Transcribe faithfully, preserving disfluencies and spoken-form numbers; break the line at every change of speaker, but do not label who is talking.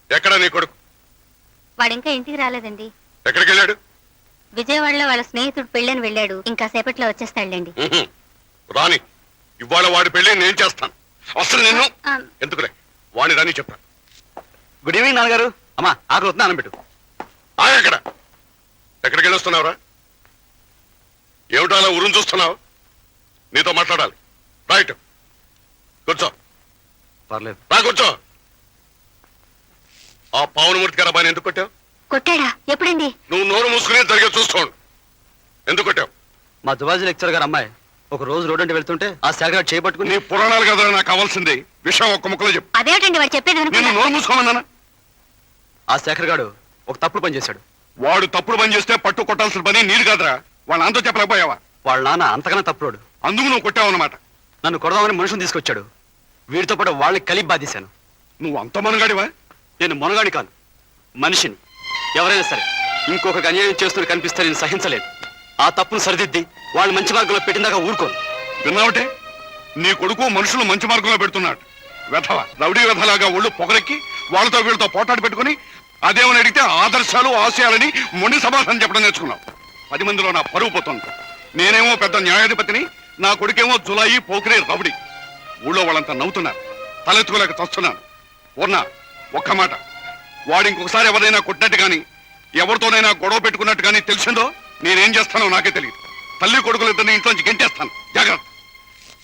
ఎక్కడ నీ కొడుకు?
వాడు ఇంకా ఇంటికి రాలేదండి.
ఎక్కడికి వెళ్ళాడు?
విజయవాడలో వాళ్ళ స్నేహితుడు పెళ్ళని వెళ్ళాడు. ఇంకా సేపట్లో వచ్చేస్తాడులేండి.
రాని, ఇవాళ వాడి పెళ్లి నేను చేస్తాను. అసలు నిన్ను ఎందుకులే, వాడిని రాని చెప్తాను.
గుడ్ ఈవినింగ్ నాన్నగారు. అమ్మా ఆకలి వస్తుంది, అన్నం పెట్టు.
ఎక్కడ ఎక్కడికి వెళ్ళొస్తున్నావురా? ఏమిటో అలా ఉరుం చూస్తున్నావు? నీతో మాట్లాడాలి. రైట్, కూర్చో.
పర్లేదు
రా కూర్చో. ఆ పావనమూర్తి గారు అబ్బాయిని ఎందుకు కొట్టావు?
కొట్టాడా? ఎప్పుడండి?
నువ్వు నోరు మూసుకునే జరిగే చూసుకోండి. ఎందుకు కొట్టావు?
మా జువాజీ లెక్చర్ గారు అమ్మాయి ఒక రోజు రోడ్ అంటే వెళ్తుంటే ఆ శాఖ చేపట్టుకుని.
నీ పురాణాలు కదా నాకు కావాల్సింది, విషయం ఒక్క ముక్కలో చెప్పు.
అదేమిటండి వాడు చెప్పేది?
నేను నోరు మూసుకోమన్నానా?
ఆ శేఖర్ గారు ఒక తప్పుడు పని చేశాడు.
వాడు తప్పుడు పని చేస్తే పట్టు కొట్టాల్సిన పని నీరు కాదురా. వాళ్ళ అంతా చెప్పలేకపోయావా?
వాళ్ళ నాన్న అంతకన్నా తప్పుడు.
అందుకు నువ్వు కొట్టావు అన్నమాట.
నన్ను కొడదామని మనుషులు తీసుకొచ్చాడు. వీడితో పాటు వాళ్ళని కలిపి బాధేశాను.
నువ్వు అంత మనగాడివా?
నేను మొనగాడి కాను, మనిషిని. ఎవరైనా సరే ఇంకొకరికి అన్యాయం చేస్తున్న కనిపిస్తే నేను సహించలేదు. ఆ తప్పును సరిదిద్ది వాళ్ళు మంచి మార్గంలో పెట్టిందాకా ఊరుకోను.
విన్నావటే? నీ కొడుకు మనుషులు మంచి మార్గంలో పెడుతున్నాడు. వెధవ రౌడీ వెధలాగా ఒళ్ళు పొగరెక్కి వాళ్ళతో వీళ్ళతో పోటాడు పెట్టుకుని అదేమని అడిగితే ఆదర్శాలు ఆశయాలని మొండి సమాధానం చెప్పడం నేర్చుకున్నావు. పది మందిలో నా పరువు పోతుంది. నేనేమో పెద్ద న్యాయాధిపతిని, నా కొడుకేమో జులాయి పోకిరే రౌడీ. ఊళ్ళో వాళ్ళంతా నవ్వుతున్నారు, తలెత్తుకోలేక చస్తున్నాను. పూర్ణ, ఒక్క మాట, వాడు ఇంకొకసారి ఎవరైనా కొట్టినట్టు కానీ ఎవరితోనైనా గొడవ పెట్టుకున్నట్టు కానీ తెలిసిందో నేనేం చేస్తానో నాకే తెలియదు. తల్లి కొడుకులిద్దరిని ఇంట్లోంచి గెంటేస్తాను. జాగ్రత్త.